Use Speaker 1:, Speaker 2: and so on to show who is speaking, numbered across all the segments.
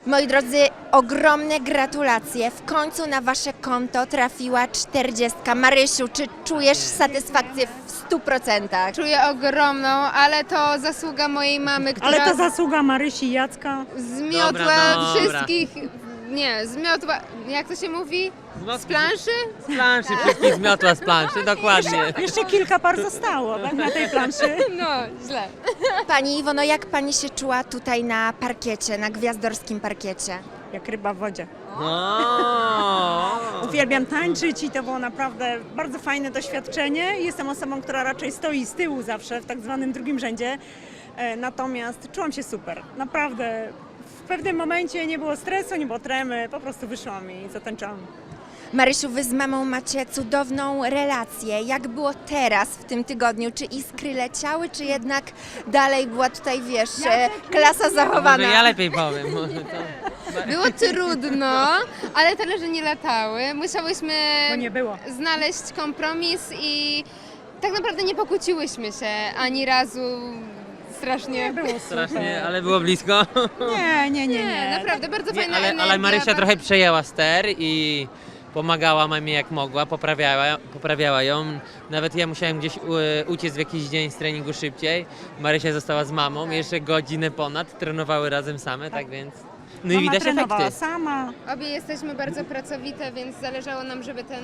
Speaker 1: Moi drodzy, ogromne gratulacje. W końcu na wasze konto trafiła 40. Marysiu, czy czujesz satysfakcję w 100%?
Speaker 2: Czuję ogromną, ale to zasługa mojej mamy, która
Speaker 3: Ale to zasługa Marysi i Jacka.
Speaker 2: zmiotła
Speaker 4: Dobra.
Speaker 2: wszystkich. Nie, zmiotła. Jak to się mówi? Z planszy?
Speaker 4: Z planszy, wszystkich zmiotła z planszy, dokładnie.
Speaker 3: Jeszcze kilka par zostało, tak, na tej planszy.
Speaker 2: No, źle.
Speaker 1: Pani Iwono, jak pani się czuła tutaj na parkiecie, na gwiazdorskim parkiecie?
Speaker 3: Jak ryba w wodzie.
Speaker 4: No.
Speaker 3: Uwielbiam tańczyć i to było naprawdę bardzo fajne doświadczenie. Jestem osobą, która raczej stoi z tyłu zawsze, w tak zwanym drugim rzędzie. Natomiast czułam się super. Naprawdę w pewnym momencie nie było stresu, nie było tremy, po prostu wyszłam i zatańczyłam.
Speaker 1: Marysiu, wy z mamą macie cudowną relację. Jak było teraz, w tym tygodniu? Czy iskry leciały, czy jednak dalej była tutaj, wiesz, klasa zachowana?
Speaker 4: Może ja lepiej powiem. Może to...
Speaker 2: Było trudno, ale talerze nie latały. Musiałyśmy
Speaker 3: Bo nie było.
Speaker 2: znaleźć kompromis i tak naprawdę nie pokłóciłyśmy się ani razu strasznie.
Speaker 3: Było super.
Speaker 4: Strasznie, ale było blisko.
Speaker 3: Nie.
Speaker 2: Naprawdę bardzo
Speaker 4: Nie,
Speaker 2: fajna
Speaker 4: ale
Speaker 2: energia.
Speaker 4: Marysia trochę przejęła ster i pomagała mamie jak mogła, poprawiała ją. Nawet ja musiałem gdzieś uciec w jakiś dzień z treningu szybciej. Marysia została z mamą, jeszcze godzinę ponad, trenowały razem same, tak więc... No i
Speaker 3: Mama
Speaker 4: widać
Speaker 3: trenowała
Speaker 4: efekty.
Speaker 3: sama.
Speaker 2: Obie jesteśmy bardzo pracowite, więc zależało nam, żeby ten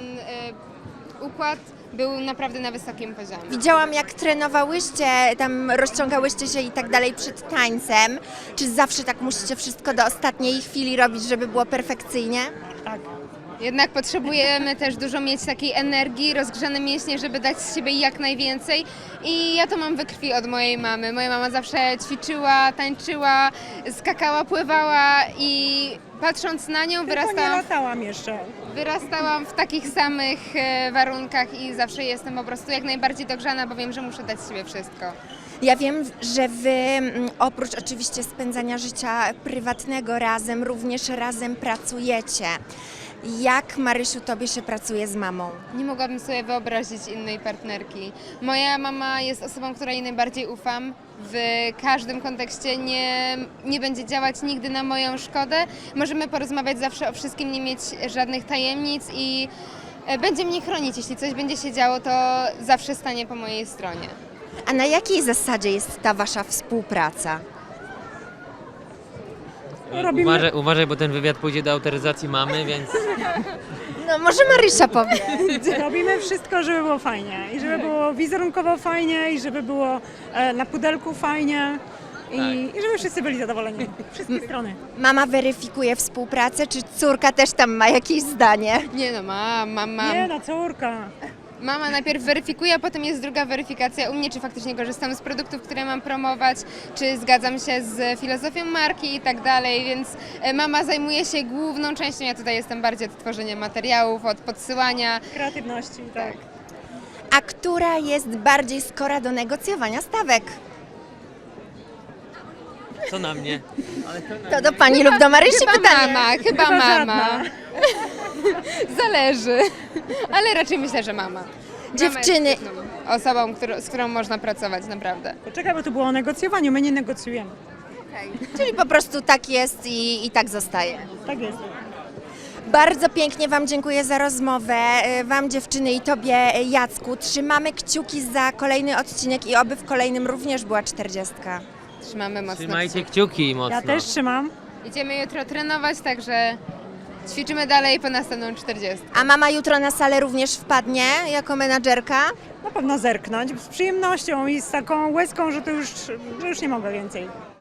Speaker 2: układ był naprawdę na wysokim poziomie.
Speaker 1: Widziałam, jak trenowałyście, tam rozciągałyście się i tak dalej przed tańcem. Czy zawsze tak musicie wszystko do ostatniej chwili robić, żeby było perfekcyjnie?
Speaker 3: Tak.
Speaker 2: Jednak potrzebujemy też dużo mieć takiej energii, rozgrzane mięśnie, żeby dać z siebie jak najwięcej. I ja to mam we krwi od mojej mamy. Moja mama zawsze ćwiczyła, tańczyła, skakała, pływała i patrząc na nią
Speaker 3: Tylko nie
Speaker 2: wyrastałam,
Speaker 3: latałam jeszcze.
Speaker 2: wyrastałam w takich samych warunkach i zawsze jestem po prostu jak najbardziej dogrzana, bo wiem, że muszę dać z siebie wszystko.
Speaker 1: Ja wiem, że wy oprócz oczywiście spędzania życia prywatnego razem, również razem pracujecie. Jak, Marysiu, tobie się pracuje z mamą?
Speaker 2: Nie mogłabym sobie wyobrazić innej partnerki. Moja mama jest osobą, której najbardziej ufam. W każdym kontekście nie będzie działać nigdy na moją szkodę. Możemy porozmawiać zawsze o wszystkim, nie mieć żadnych tajemnic i będzie mnie chronić. Jeśli coś będzie się działo, to zawsze stanie po mojej stronie.
Speaker 1: A na jakiej zasadzie jest ta wasza współpraca?
Speaker 3: Robimy-
Speaker 4: Uważaj, bo ten wywiad pójdzie do autoryzacji mamy, więc...
Speaker 1: No może Marysia powie.
Speaker 3: Robimy wszystko, żeby było fajnie. I żeby było wizerunkowo fajnie, i żeby było na pudelku fajnie. I żeby wszyscy byli zadowoleni. Wszystkie strony.
Speaker 1: Mama weryfikuje współpracę, czy córka też tam ma jakieś zdanie?
Speaker 2: Nie no, mam.
Speaker 3: Nie, no córka.
Speaker 2: Mama najpierw weryfikuje, a potem jest druga weryfikacja u mnie, czy faktycznie korzystam z produktów, które mam promować, czy zgadzam się z filozofią marki i tak dalej, więc mama zajmuje się główną częścią, ja tutaj jestem bardziej od tworzenia materiałów, od podsyłania.
Speaker 3: Kreatywności, tak.
Speaker 1: A która jest bardziej skora do negocjowania stawek?
Speaker 4: Co na mnie? Ale
Speaker 1: To do pani lub do Marysi pytanie.
Speaker 2: Chyba mama.
Speaker 3: żadna.
Speaker 2: Zależy, ale raczej myślę, że mama.
Speaker 1: Dziewczyny.
Speaker 2: Mama jest świetną osobą, z którą można pracować, naprawdę.
Speaker 3: Poczekaj, bo tu było o negocjowaniu, my nie negocjujemy.
Speaker 1: Czyli po prostu tak jest i tak zostaje.
Speaker 3: Tak jest.
Speaker 1: Bardzo pięknie wam dziękuję za rozmowę, wam dziewczyny i tobie Jacku. Trzymamy kciuki za kolejny odcinek i oby w kolejnym również była 40.
Speaker 2: Trzymamy mocno
Speaker 4: Trzymajcie
Speaker 2: kciuki.
Speaker 4: kciuki mocno.
Speaker 3: Ja też trzymam.
Speaker 2: Idziemy jutro trenować, także ćwiczymy dalej po następną 40.
Speaker 1: A mama jutro na salę również wpadnie jako menadżerka?
Speaker 3: Na pewno zerknąć z przyjemnością i z taką łezką, że już nie mogę więcej.